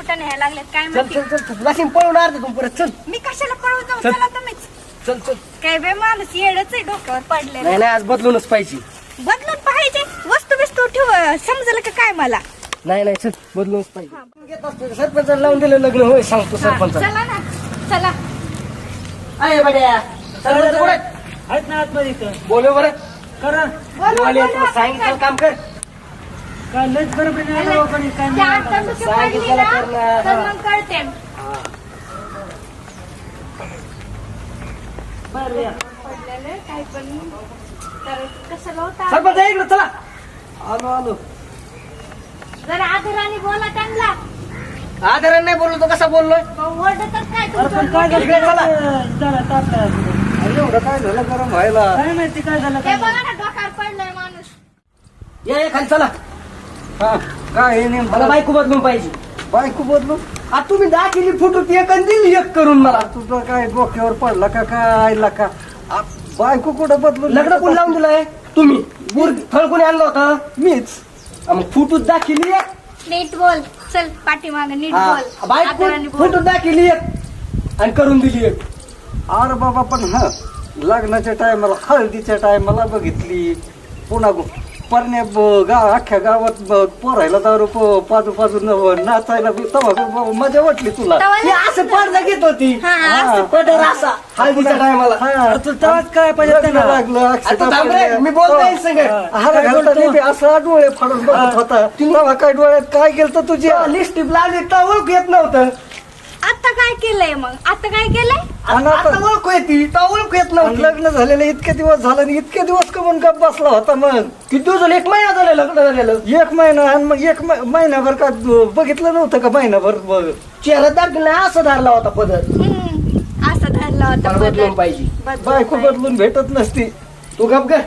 कुठं न्यायला लागलेत काय चल माहिती. चल चल वाशिम पळून अर्ध तू परत चल. मी कशाला पळून जाऊ, चल. चला तुम्हीच. चल चल. काय बे माणूस येडच आहे डोक्यावर पडलेलं. नाही नाही आज बदलूनच पाहिजे. बदलून पाहिजे, वस्तू बिस्तू ठेव समजलं का काय मला. नाही नाही चल बदलूनच पाहिजे. सरपंचाला लावून दिलं लग्न होय सांगतो हा, सरपंच. चला ना चला. अरे बड्या सरपंच कुठे आहेत ना आतमध्ये इथं. बोलव बरं. करा तुला सांगितलं काम कर. काय लयच बरोबर नाही आलं कोणी काय त्या नाही आता आलं. तुझी सांगितलं पडली ना, करणार. तर मग कळते. बरं या. पडलेलं काय पण तर कशाला होता. सरपंच इकडे चला. आलो आलो. जरा आदराने बोला त्यांना. आदराने नाही बोललो तो कसा बोललोय. ओरडतच काय अरे पण तुमचं काय झालं इकडे चला. जरा तापला अजून. अरे एवढं काय झालं गरम व्हायला. काय माहिती काय झालं ते काय बघा ना डोक्यावर पडलंय माणूस. ये खाली चला. हा काय हे नेम मला बायको बदलून पाहिजे. बायको बदलू आता तुम्ही दाखिली फुटू ती एक आणि दिली एक करून मला. तुझं काय डोक्यावर पडला का काय का बायको कुठं बदलू लग्न कोण लावून दिलंय तुम्ही. फळ कोणी आणलं होतं. मीच. मग फुटूच दाखिली एक. नीट बोल, चल पाठीमाग नीट हा, बोल. बायको आदराने बोल. फुटूच दाखिली एक आणि करून दिली एक. अरे बाबा पण हा लग्नाच्या टायमाला हळदीच्या टायमाला बघितली पुन्हा परण्या अख्ख्या गावात पोरायला दारू पाजू पाजू नाचायला तेव्हा मजा वाटली तुला. तवा ती असं पडदा घेत होती. हा, हा. पदर असा हळदीच्या टायमाला. हा, तू तेव्हाच काय पाहिजे लग्न त्यांना. लागलं आता अक्षता थांब रे, पडल्या. मी बोलतोय संग. हार काय घालता बोलतो? बी असा डोळे फाडून बघत होता तेव्हा काय डोळ्यात काय गेलं तुझ्या लिस्टिप लागली तर ओळख येत नव्हतं. आता काय केलंय मग, आता काय केलंय. आणि आता आता- ओळख येते तर ओळख येत आणि नव्हती. लग्न झालेलं इतके दिवस झालं आणि इतके दिवस कमून गप बसला होता मग किती दिवस झाले. एक महिना झाला लग्न झालेलं. एक महिना आणि मग एक महिनाभर का बघितलं नव्हतं का महिनाभर चेहरा दाखला असं धरला होता पदर. असा धरला होता मला बदलून पदर. पाहिजे. बदलून बायको पाहिजे. बदलून भेटत नसती. तू गप ग.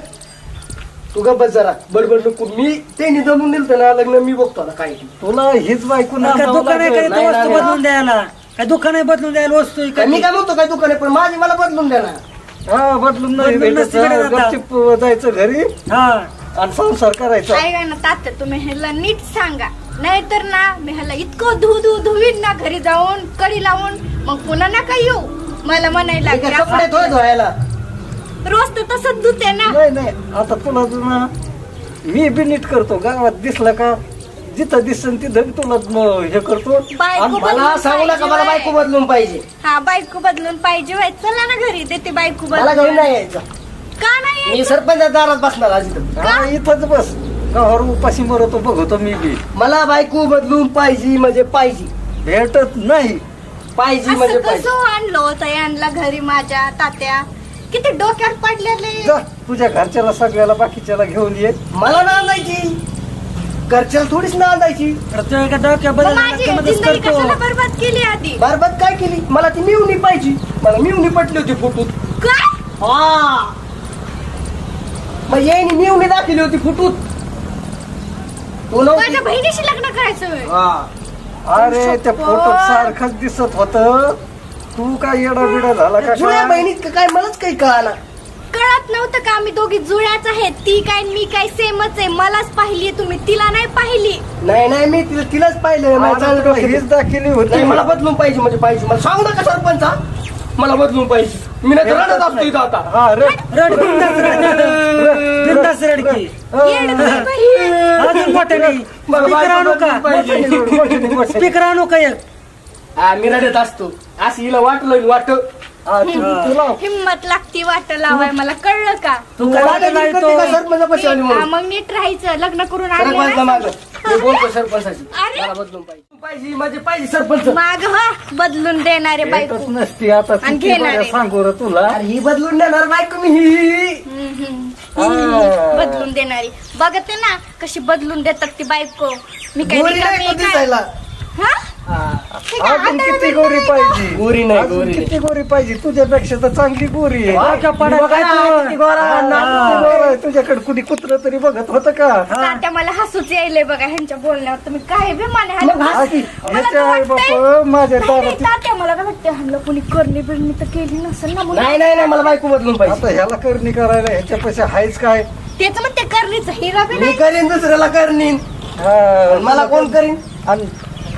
तू गप बस जरा. बडबड नको. मी त्यांनी जमून दिलं ना लग्न. मी बघतो आता काय ते. तुला हीच बायको काय नांदावं दुकान आहे लागेल. काय नाही, वस्तू नाही, बदलून द्यायला. काय दुकान आहे बदलून द्यायला वस्तू आहे काय काय मी काय म्हणतो काय दुकान आहे पण माझी मला बदलून द्या ना. हा बदलून नाही बदलून भेटत. नसती भेटत आता. गपचूप जायचं घरी हा आणि संसार करायचा. ऐका ना तात्या, तुम्ही ह्याला नीट सांगा. नाहीतर ना मी ह्याला इतकं धुवीन ना घरी जाऊन कडी लावून मग पुन्हा नका येऊ मला म्हणायला हे काय कपडे थोडे धुवायला. रोज तर तसंच धुते ना. नाही नाही आता तुला ना मी बी नीट करतो. गावात दिसलं का जिथं दिसन तिथं तुला हे करतो. बायको आणि मला बदलून सांगू नका मला पाहिजे बायको व्हय. बदलून पाहिजे. हा बायको बदलून पाहिजे व्हय. चला ना घरी देते बायको मला घरी बदलून. नाही यायचं. का नाही मी सरपंच दारात बसणार आज इथं. हा, इथंच बस गावावर उपाशी मरतो बघतो मी बी. मला बायको बदलून पाहिजे म्हणजे पाहिजे. भेटत नाही. पाहिजे म्हणजे असं पाहिजे. कसं आणलं होतं यांना घरी माझ्या तात्या. किती डोक्यावर पडलेले. जा तुझ्या घरच्याला सगळ्याला बाकीच्याला घेऊन ये. मला नांदायची. घरच्याला थोडीच नांदायची. प्रत्येक एका डोक्या मग बदल माझी जिंदगी कशाला बरबाद केली आधी. बरबाद काय केली. मला ती मिळवणी पाहिजे. मला मिळवणी पटली होती फुटूत. काय हा मग येईनी मिळवणी दाखवली होती फुटूत. तू माझ्या नव्हती. बहिणीशी लग्न करायचं व्हय. हा अरे त्या फोटोत सारखंच दिसत होत. तू काय येडा बिडा झाला का जुळ्या काय? बहिणीत का काय मलाच काही कळाला. कळत नव्हतं का आम्ही दोघी जुळ्याच आहेत. ती काय मी काय सेमच आहे. मलाच पाहिली तुम्ही, तिला नाही पाहिली. नाही नाही मी तिलाच पाहिलं. माझं चांगलं डोक्यात हीच आहे. दाखिली होती. नाही मला बदलून पाहिजे म्हणजे पाहिजे. मला सांगू नका सरपंच हा. मला बदलून पाहिजे. मी नाही तर रडत असतो इथं आता. हा रे रड बिंदास रडकी. येड नाही बाई. अजून मोठ्याने मला स्पीकर आणू बायको का बदलून पाहिजे. स्पीकर आणू का एक. हा मी रडत असतो. असं हिला वाटलं वाट. हा, तुला हिम्मत लागती वाट लावाय. मला कळलं का. तू काय वाटत नाही तो. सरपंचापाशी आली हा, म्हणून. मग नीट राहायचं. लग्न करून आणलं सरपंचला ना. माग मी बोलतो सरपंचाशी. अरे. मला बदलून पाहिजे म्हणजे पाहिजे सरपंच. माग हा बदलून देणारे बायको. भेटत नसती आता आणि किती घेणार बरं आहे. सांगू रे तुला. अरे ही बदलून देणार बायको मी ही. बदलून देणारी. बघते ना कशी बदलून देतात ती बायको. मी काय गोरी रिकामी नाही आहे कधी का? जायला. हा? हा. हे काय अजून हाताला किती बिलकुल गोरी नाही का? पाहिजे. गोरी नाही, अजून गोरी किती गोरी पाहिजे. तुझ्यापेक्षा तर चांगली गोरी आहे. डोक्या पडा बघा काय ना, तू. किती गोरा, नाक किती गोरा. तुझ्याकडे कुणी कुत्र तरी बघत होतं का. तात्या मला हसूच यायलंय बघा ह्यांच्या बोलण्यावर. तुम्ही काय बे माने मग हस की. ह्याच्या आई बाप माझ्या दारात. तात्या मला काय वाटतं ह्यांना कोणी करणी बिरणी तर केली नसेल ना म्हणून. नाही नाही नाही मला बायको बदलून पाहिजे. आता ह्याला करणी करायला ह्याच्यापेक्षा हायच काय. त्याच मग ते करणीच हिरा बी मी नाही. करीन दुसऱ्याला करीन. हा, मला कोण करीन. आणि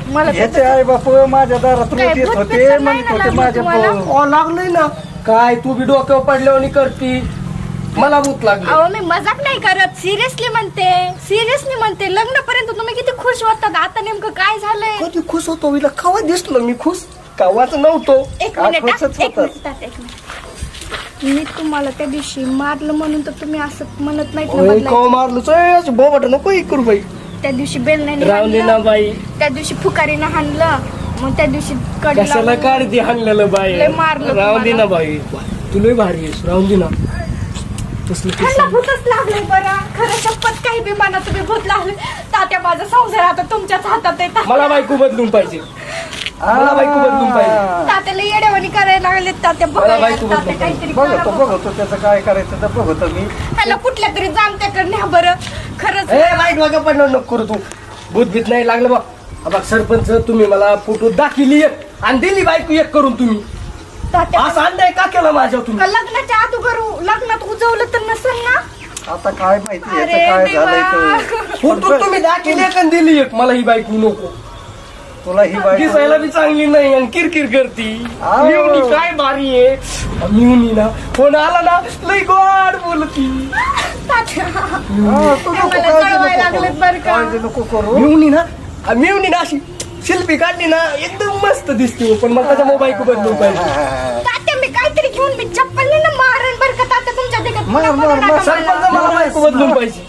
मला ह्याचे आई बाप माझ्या दारात काय रोज येत भूत होते पिक्चर म्हणत नाही होते ना माझ्या लागलं भाऊ. लागलंय ना काय तू बी डोक्यावर पडल्यावर करती मला भूत लागली अहो मी मजाक नाही करत, सिरियसली म्हणते लग्नापर्यंत तुम्ही किती खुश होतात, आता नेमकं काय झालंय? कधी खुश होतो विला कवा दिसलो मी खुश कवाच नव्हतो एक मिनिट हा, खुशच एक होतात. मिनिट तात्या, एक मिनिट. मी तुम्हाला त्या दिवशी मारलं म्हणून तर तुम्ही असं म्हणत नाहीत ना ओय बदलायचं. कवा मारलो बोबट नको हे करू बाई त्या दिवशी बेल नाही राहून दे ना हाणलं, बाई त्या दिवशी फुकारीनं हाणलं, मग त्या दिवशी कडी कशाला लावून- काढते हाणलेलं बाई लय मारलं राहून दे ना तुम्हाला. बाई तुला भारी आहेस राहून दे ना तसलं ह्यांना कसं भूतच लागलंय बरं, खरं शपथ काही बी म्हणा तुम्ही भूत लागले. तात्या माझा संसार आता तुमच्याच हातात आहे. मला बायको बदलून पाहिजे मला बायको बदलून पाहिजे तात्याला येडेवाणी करायला लागले. तात्या मला बघा बायको तात्या बदलून काहीतरी करा बघतो बघा. बघतो त्याचं काय करायचं तर बघतो मी. ह्याला कुठल्या तरी जामत्याकडे न्या बरं, खरंच. ए वाईट वागा पडणार नको करू तू भूत भीत नाही लागलं बा सरपंच तुम्ही मला फोटो दाखिली एक आणि दिली बायको एक करून तुम्ही तात्या असं अन्याय का केला माझ्यावर तुम्ही का लग्नाच्या अगोदर लग्नात उजवलं तर नसेल ना? आता काय माहिती अरे याचं काय देवा. झालंय तर. फोटो तुम्ही दाखिली एक आणि दिली एक मला ही बायको नको तुला ही दिसायला बायको बी चांगली नाही आणि किरकिर करती आव. मिवणी काय भारी आहे मिवणी ना फोन आला ना लई गोड बोलती तात्या हा, तू नको मला काळजी कळवायला नको लागलेत करू. बरं का? काळजी नको करू मिवणी ना अशी शिल्पी काढली ना एकदम मस्त दिसते पण मला त्याच्या मोबाईल बदलून पाहिजे तात्या मी काहीतरी घेऊन मी चप्पल ना मारण बरं का तात्या तुमच्या देखत मार, मार, मार. सरपंच मला बायको बदलून पाहिजे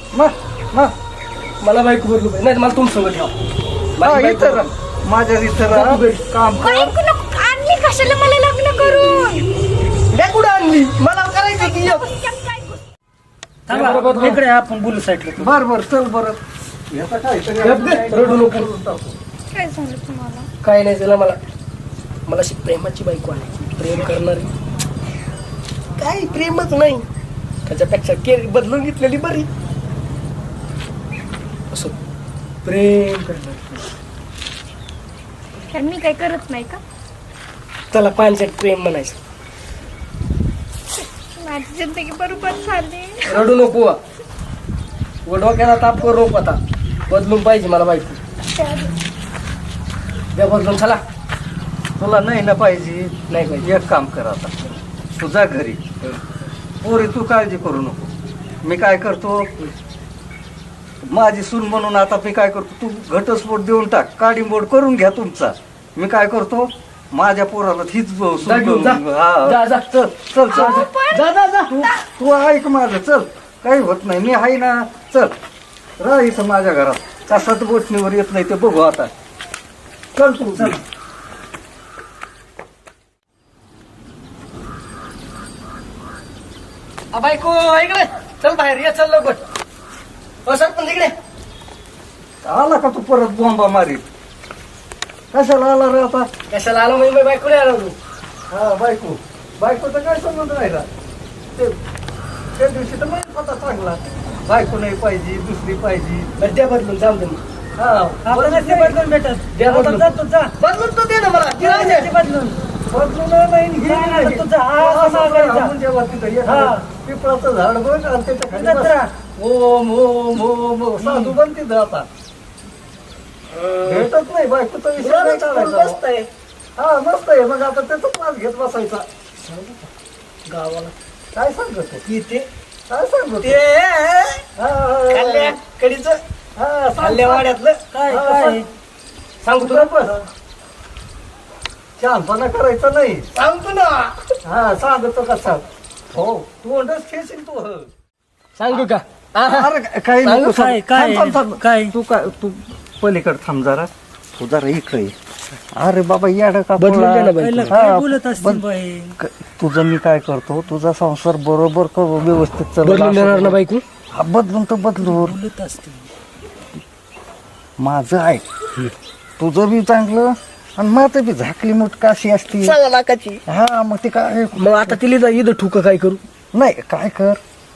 मला बायको बदलून पाहिजे नाही तर मला तुमचं ठेवा माझी बायको इथं राह. माझ्या इथं राह. नको घरी. काम कर आणली कशाला मला लग्न करून? द्या कुठं आणली मला करायचं की एक. थांबा, बरोबर. इकडे आपण बोलू साईडला. बर बर चल बर याचा काहीतरी गप गे, रडू नको काय झालं तुम्हाला? काय नाही झालं मला अशी प्रेमाची बायको आहे प्रेम करणारी काय प्रेमच नाही त्याच्यापेक्षा केर बदलून घेतलेली बरी असं प्रेम करणारी तर मी काय करत नाही का? त्याला पानसट प्रेम म्हणायचं माझी जिंदगी बरोबर झाली. रडू नको व डोक्याला ताप करू नको आता बदलून पाहिजे मला बायको द्या बदलून चला तुला नाही ना पाहिजे नाही पाहिजे एक काम कर आता तुझा घरी पोरी तू काळजी करू नको मी काय करतो माझी सून म्हणून आता मी काय करतो तू घटस्फोट देऊन टाक काडीमोड करून घ्या तुमचा मी काय करतो माझ्या पोराला हीच जा घेऊन जा. जा, जा. चल चल चल अहो, पण- जा तू ऐक माझं चल काही होत नाही मी आहे ना चल राह इथं माझ्या घरात कसात गोठणीवर येत नाही ते बघू आता चल तू चल बायको इकडे चल बाहेर ये चल लवकर हो सरपंच इकडे आला का तू परत बॉम्बा मारीत कशाला आला रे आता कशाला आलो मी बायको नाही आलो तू हा बायकोचा काय संबंध राहिला त्या दिवशी तर माहित होता चांगला बायको नाही पाहिजे दुसरी पाहिजे बरं द्या बदलून जाऊ दे मग. आपण नसते बदलून भेटत. द्या आता बदलून. जा तू जा. बदलून तो दे ना मला जा नसते बदलून. बदलून नाही नाही, नाही, तू जा. हा, असं हा, कर, जा. आपण जेव्हा तिथं हा. एखादं पिंपळाचं झाड बघ आणि त्याच्या खाली तिथंच बस. राहा. ओम ओम ओम ओम. साधू बन तिथं आता भेटत नाही बायकोचा विषय नाही काढायचा. मस्त आहे हा मस्त आहे मग आता त्याचा क्लास घेत बसायचा गावाला काय सांगतो इथे काय सांगतो ते खाल्ल्या कडीचं खाल्ल्या वाड्यातलं काय काय सांगू तुला पण शहाणपणा करायचा नाही सांगतो ना हा सांगतो कसा हो तू अंडच खेळशील तू सांगू का अरे काही सांगू नको काय, काय, काय? तू पलीकडे थांब जरा तू जरा इकडे ये. अरे बाबा याड का बदलून दे ना बाई. पहिलं काय बोलत असतील बाई? तुझं मी काय करतो तुझा संसार बरोबर करू व्यवस्थित बदलून देणार ना बायको हा बदलून तर बदलून बोलत असतील. माझं ऐक तुझं बी चांगलं आणि माझं बी झाकली मुठ काशी असती 6 लाखाची हा मग ते काय मग आता तिला जा इथं ठुक काय करू नाही काय कर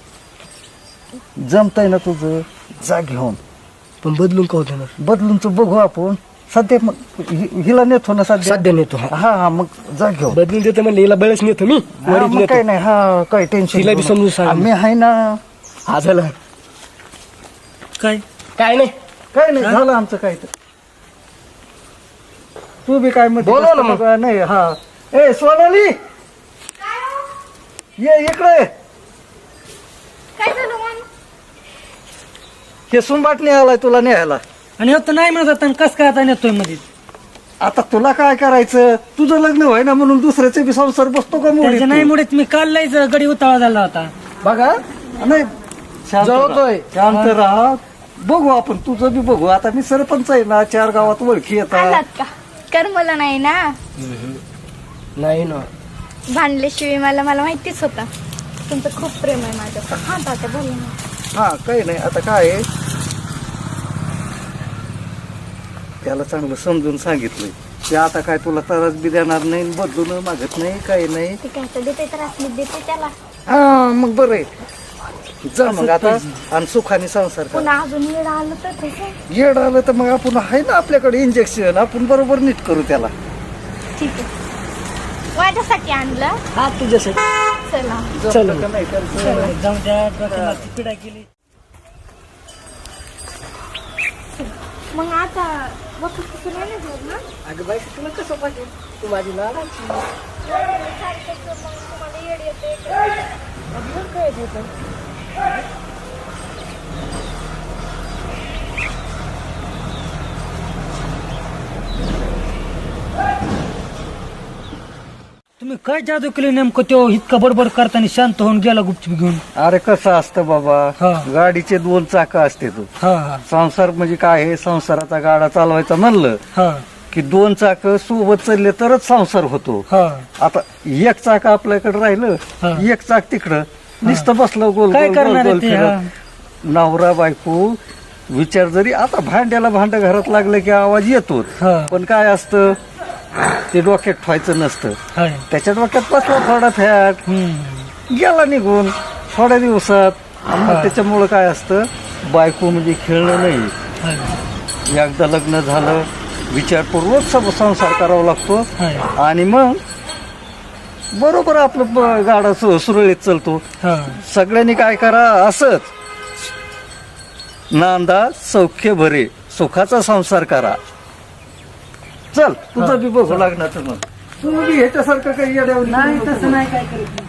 जमतंय ना तुझं जा घेऊन पण बदलून का होतं ना बदलून तू बघू आपण सध्या मग हिला नेतो ना सध्या सध्या नेतो हा हा मग जा घेऊन बदलून देतो म्हणलं हिला बळच नेतो मी हा, वरीत मग नेतो काही नाही हा काही टेन्शन तिला बी समजून सांग. मी आहे ना हा झालं काय काय नाही काही नाही झालं आमचं काय तर तू बी काय म्हणते बोलव ना मग. नाही हा ए सोनाली ये इकडे काय झालं मग? हे सुंबाट आलाय तुला न्यायला. आणि हो तर नाही म्हणत आता कस काय आता नेतोय मध्ये आता तुला काय करायचं तुझं लग्न व्हाय ना म्हणून दुसऱ्याचे बी संसार बसतो का मोडीत त्याच्या तू? नाही मुळे मी काल लयच गडी उतावळा झाला होता. बघा नाही शांत जळतोय. राहा, शांत राहा. बघू आपण तुझं बी बघू. आता मी सरपंच आहे ना 4 गावात ओळखी येतात. आलात का? कर मला नाही ना नाही ना भांडल्याशिवाय मला माहितीच होता तुमचं खूप प्रेम आहे माझ्यावर. हा तात्या बोल ना. हा काही नाही आता काय आहे, त्याला चांगलं समजून सांगितलंय ते आता काय तुला त्रास बी देणार नाही बदलून मागत नाही काही नाही. ते काय तर देते तर असली देते त्याला. हा मग बरं आहे जा मग आता आणि सुखाने संसार कर. पुन्हा अजून वेळ आलं तर तसं येड आलं तर मग आपण आहे ना आपल्याकडे इंजेक्शन आपण बरोबर नीट करू त्याला. ठीक आहे. माझ्यासाठी आणलं. हा तुझ्यासाठी चला चल का नाही तर जाऊन द्या डोक्याला पिढा केली. मग आता बघू कसं नाही ना. अगं बाई तुला कसं पाहिजे तू माझी लाडाची तुम्हाला येड येते. काय होतं तुम्ही काय जादू केली नेमकं तो इतका बडबड करताना शांत होऊन गेला गुपचूप घेऊन. अरे कसं असतं बाबा हा. गाडीचे 2 चाकं असते तू हा हा संसार म्हणजे काय आहे संसाराचा गाडा चालवायचा म्हणलं हा की 2 चाकं सोबत चालले तरच संसार होतो. हा आता 1 चाक आपल्याकडे राहिलं हा. 1 चाक तिकडं नुसतं बसलं गोल काय गोल गोल करणार गोल आहे ते, फिरत. नवरा बायको विचार जरी आता भांड्याला भांड घरात लागलं की आवाज येतोच हा. पण काय असतं ते डोक्यात ठेवायचं नसतं. हाय. त्याच्या डोक्यात बसला थोडा फॅट गेला निघून थोड्या दिवसात आणि मग हा. त्याच्यामुळं काय असतं बायको म्हणजे खेळणं नाही. हाय. एकदा लग्न झालं विचारपूर्वक संसार करावा लागतो हाय. आणि मग बरोबर आपलं गाडा सुरळीत चालतो. हा. सगळ्यांनी काय करा असंच नांदा सौख्य भरे सुखाचा संसार करा. चल तुझं बी बघू लागणार मग तू बी ह्याच्यासारखं काही येड्यावर नाही तसं नाही काय करत.